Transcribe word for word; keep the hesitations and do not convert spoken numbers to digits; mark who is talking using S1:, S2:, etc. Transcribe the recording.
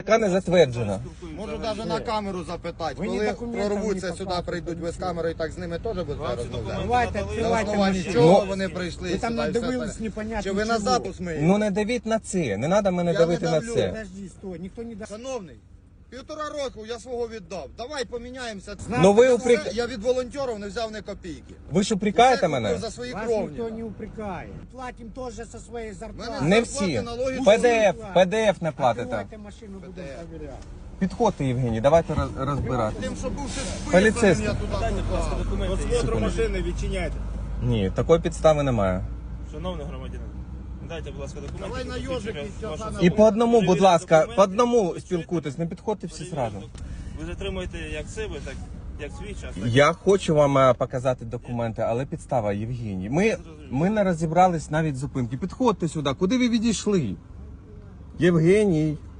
S1: яка не затверджена.
S2: Можу навіть на камеру запитати,
S3: Ви ні
S2: коли
S3: документів
S2: прорвуться
S3: не
S2: сюди,
S3: показуєте,
S2: прийдуть ви з камерою, так з ними теж будете розмовляти?
S3: Давайте,
S2: На
S3: відкривайте
S2: основанні
S3: машину.
S2: чого
S1: Ну,
S2: вони прийшли
S3: Ви там
S2: сюди? і все
S3: надивились
S2: це?
S3: непонятно
S2: Чи ви на
S3: чого.
S2: запуск ми?
S1: Ну не давіть на це, не треба мене
S2: Я
S1: давити
S2: не
S1: на
S2: давлю.
S1: це.
S3: Подожди, стой, ніхто не дасть.
S2: Шановний, півтора року я свого віддав. Давай поміняємося.
S1: Ну ви
S2: Я
S1: упрек...
S2: все- Я від волонтерів не взяв ні копійки.
S1: Ви ж упрекаєте
S2: Все
S1: мене?
S2: купив за свої
S3: Вас
S2: кровні.
S3: ніхто не упрекає. Платим теж зі своєї зарплати.
S2: Мене-
S1: Не
S2: Зарплати,
S1: всі.
S2: налоги,
S1: Пе Де Еф,
S3: всі.
S1: Пе Де Еф не платите.
S3: Откривайте машину, будемо перевіряти.
S1: Підходьте, Євгеній, давайте роз- розбирати.
S2: Тим, що був ще
S1: Поліцейський.
S2: я туди попав.
S4: Осмотру машини відчиняйте.
S1: Ні, такої підстави немає.
S4: Шановний громадянин, дайте, будь ласка, документи.
S2: Давай на
S4: які
S2: йожик
S4: посвідчують
S2: і
S4: вашу
S2: все
S4: особу.
S1: І по одному, будь
S4: Перевірте
S1: ласка,
S4: документи,
S1: по одному
S4: ви
S1: спілкуйтесь, не підходьте всі
S4: перевірте
S1: зразу.
S4: документи. Ви затримуєте як себе, так як свій час. Так?
S1: Я хочу вам е, показати документи, але підстава, Євгеній. Ми, ми не розібрались навіть з зупинки. Підходьте сюди, куди ви відійшли? Євгеній.